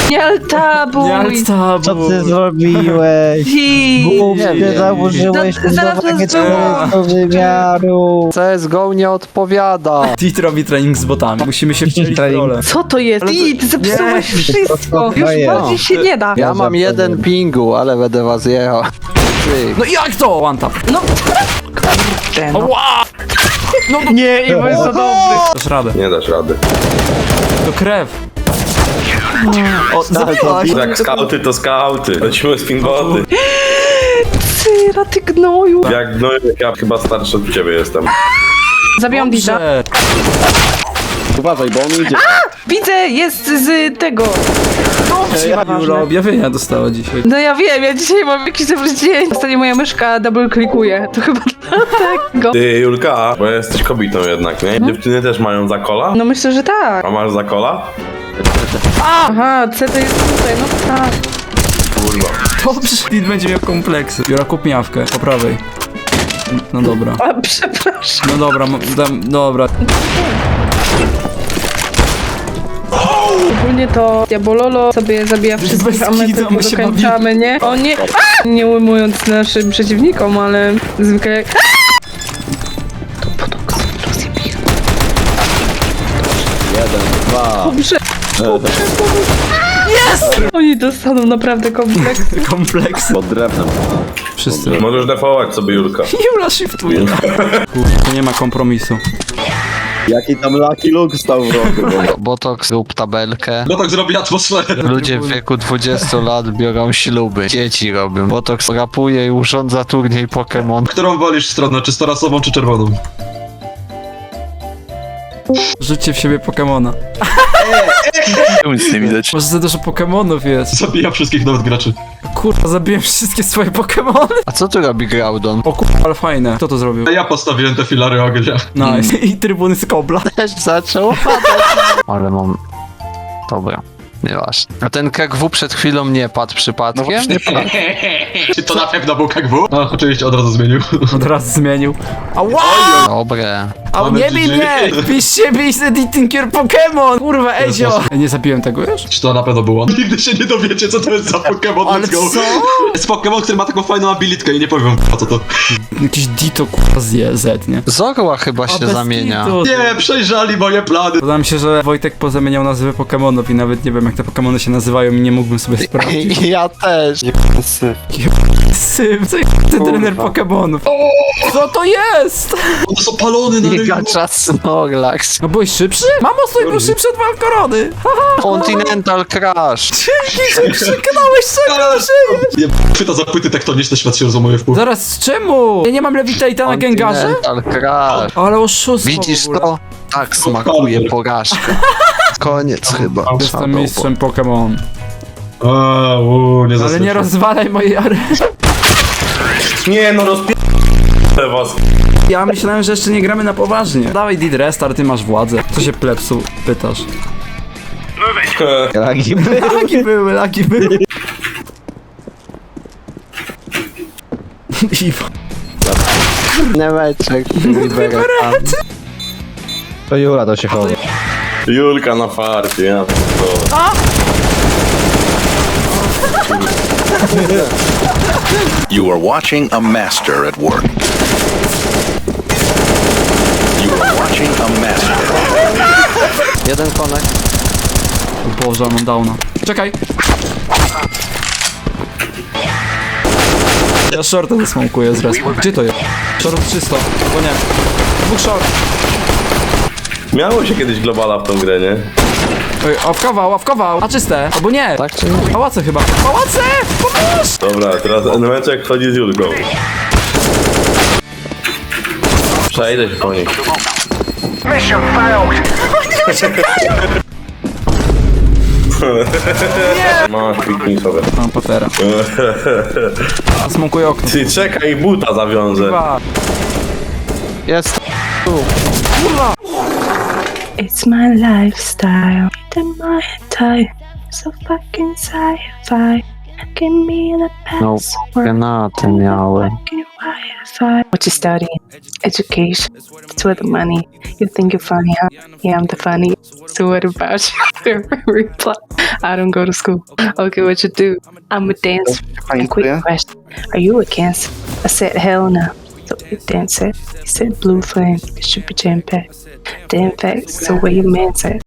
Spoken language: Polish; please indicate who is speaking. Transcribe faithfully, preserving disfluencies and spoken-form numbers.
Speaker 1: Nie altabuj!
Speaker 2: Nie altabuj.
Speaker 3: Co ty zrobiłeś? Głupie,
Speaker 4: wiem.
Speaker 3: założyłeś
Speaker 1: No, zaraz
Speaker 3: budowanie
Speaker 1: nas było.
Speaker 3: czwartego wymiaru.
Speaker 4: C S G O nie odpowiada.
Speaker 2: Tit robi trening z botami. Musimy się wcielić w
Speaker 3: Trening.
Speaker 2: rolę.
Speaker 1: Co to jest? I ty zepsułeś wszystko! Już
Speaker 3: jest.
Speaker 1: bardziej się nie da.
Speaker 4: Ja mam jeden pingu, ale będę was jechał. Ty.
Speaker 2: No jak to? One tap.
Speaker 1: No, kurde, no.
Speaker 2: Ła! No, no.
Speaker 1: Nie, Iwo jest za dobry.
Speaker 2: Dasz radę.
Speaker 5: Nie dasz rady.
Speaker 2: To krew. O, zabiłaś.
Speaker 5: Jak skauty to skauty. Lecimy z pinboty.
Speaker 1: Cyra, ty gnoju.
Speaker 5: Jak no ja chyba starszy od ciebie jestem.
Speaker 1: Zabijam Dita.
Speaker 2: Dobrze.
Speaker 4: Uważaj, bo on idzie.
Speaker 1: Widzę, jest z tego.
Speaker 2: Jula objawienia dostała dzisiaj.
Speaker 1: No ja wiem, ja dzisiaj mam jakiś dobry dzień. Ostatnio moja myszka double klikuje. To chyba dlatego.
Speaker 5: Ty Julka, bo jesteś kobietą jednak, nie? Dziewczyny też mają zakola?
Speaker 1: No myślę, że tak.
Speaker 5: A masz zakola?
Speaker 1: Aha, C to jest tutaj, no tak.
Speaker 5: Kurwa.
Speaker 2: Dobrze. Tit będzie miał kompleksy. Jura, kup miawkę. Po prawej. No dobra.
Speaker 1: A, przepraszam.
Speaker 2: No dobra, m- dam, dobra.
Speaker 1: Ogólnie to Diabololo sobie zabija wszystkich, a my
Speaker 2: kitu,
Speaker 1: tylko
Speaker 2: my się
Speaker 1: dokończamy, nie? O nie! A! Nie ujmując naszym przeciwnikom, ale zwykle jak... To potok rozjebie.
Speaker 4: Jeden, dwa.
Speaker 1: Dobrze! Dobrze, Jest! Oni dostaną naprawdę kompleks.
Speaker 2: Kompleksy.
Speaker 4: Pod drewnem.
Speaker 2: Wszyscy.
Speaker 5: Możesz defować sobie Julka.
Speaker 2: Jula shiftuje. Kurde, to nie ma kompromisu.
Speaker 4: Jaki tam Lucky Luke stał w rogu. Botox rób tabelkę.
Speaker 6: No tak zrobi atmosferę.
Speaker 4: Ludzie w wieku dwudziestu lat biorą śluby. Dzieci robią. Botox rapuje i urządza turniej Pokémon.
Speaker 6: Którą wolisz stronę, czy starasową, czy czerwoną?
Speaker 2: Rzućcie w siebie Pokemona.
Speaker 4: Nic nie widać.
Speaker 2: Może za dużo Pokemonów jest.
Speaker 6: Zabija wszystkich, nawet graczy.
Speaker 2: Kurwa, zabiłem wszystkie swoje Pokemony.
Speaker 4: A co tu robi Groudon?
Speaker 2: O kurwa, ale fajne. Kto to zrobił?
Speaker 6: A ja postawiłem te filary ognia.
Speaker 2: Nice. I trybuny z kobla.
Speaker 4: Też zaczął padać. Ale mam... Dobra. Nieważne. A ten K G W przed chwilą nie padł przypadkiem? Nie padł.
Speaker 6: Czy to na pewno był K G W? No, oczywiście od razu zmienił.
Speaker 2: Od razu zmienił. Ała!
Speaker 4: Dobre.
Speaker 2: A
Speaker 6: Mamy
Speaker 2: nie bij
Speaker 6: G G.
Speaker 2: mnie! Piszcie, bij z Editing Your Pokémon! Kurwa, Ezio! Nie zabiłem tego już?
Speaker 6: Czy to na pewno było? Nigdy się nie dowiecie, co to jest za Pokémon.
Speaker 2: Ale
Speaker 6: Let's go.
Speaker 2: co?
Speaker 6: Jest Pokémon, który ma taką fajną abilitkę i nie powiem po co to.
Speaker 2: Jakiś Dito kurwa z Z, nie?
Speaker 4: Zorła chyba się
Speaker 2: bez
Speaker 4: zamienia.
Speaker 2: kitu.
Speaker 6: Nie, przejrzali moje plany.
Speaker 2: Podoba mi się, że Wojtek pozamieniał nazwy Pokemonów i nawet nie wiem jak te Pokemony się nazywają i nie mógłbym sobie sprawdzić.
Speaker 4: Ja też.
Speaker 2: Sym, co jest ten trener Pokemonów? Co to jest?
Speaker 6: One są palone na rynku.
Speaker 4: Gigacza Snorlax.
Speaker 2: No byłeś szybszy? Mamo, stój, był szybszy od Walkorony!
Speaker 4: Continental Crash.
Speaker 2: Dzięki, że krzyknąłeś, czego żyjesz!
Speaker 6: Nie, chwyta za płyty tektoniczne, świat się rozumuje w pół.
Speaker 2: Zaraz, czemu? Ja nie mam Levitate'a na Gengarze?
Speaker 4: Continental Crash.
Speaker 2: Ale oszustwo
Speaker 4: Widzisz
Speaker 2: w ogóle.
Speaker 4: to? Tak smakuje porażka. Koniec chyba.
Speaker 2: Jestem mistrzem Pokémon.
Speaker 6: A, uuu, nie
Speaker 2: Ale
Speaker 6: zaskoczył.
Speaker 2: nie rozwalaj mojej areny.
Speaker 5: Nie no, rozpi... was.
Speaker 2: Ja myślałem, że jeszcze nie gramy na poważnie. Dawaj Did Restart, ty masz władzę. Co się plepsu pytasz?
Speaker 3: Lagi
Speaker 2: Lagi były, lagi były. Iwo.
Speaker 4: Nemeczek. Liberetan.
Speaker 3: To Jula to się chowa.
Speaker 5: Julka na farcie, ja to.
Speaker 7: You are watching a master at work. You are watching a master.
Speaker 4: Jeden konek.
Speaker 2: O Boże, mam downa. Czekaj. Ja shorta zasmokuję z respa. Gdzie to jest? Short czysto, bo nie. Dwóch short.
Speaker 5: Miało się kiedyś globala w tą grę, nie?
Speaker 2: Oj, ławkował, ławkował. A czyste, albo nie.
Speaker 4: Tak czy nie?
Speaker 2: Pałace chyba. Pałace! Pomóż!
Speaker 5: Dobra, teraz Enemeczek chodzi z Julką. Przejdę się po nich. Masz piknij sobie.
Speaker 2: Mam patera. Smokuję okno.
Speaker 5: Ty czekaj, buta zawiążę.
Speaker 2: Dwa.
Speaker 4: Jest.
Speaker 1: It's my lifestyle. To my type. So fucking sci-fi. Give me the
Speaker 4: No,
Speaker 1: password.
Speaker 4: granaty miałem.
Speaker 1: Fucking Wi-Fi. What you studying? Education. It's where the money. You think you're funny, huh? Yeah, I'm the funny. So what about you? Reply. I don't go to school. Okay, what you do? I'm a dancer. And quick question. Are you a Cancer? I said, hell no. So you dancer. He said, blue flame. It should be jam packed. Damn facts. So where your man at?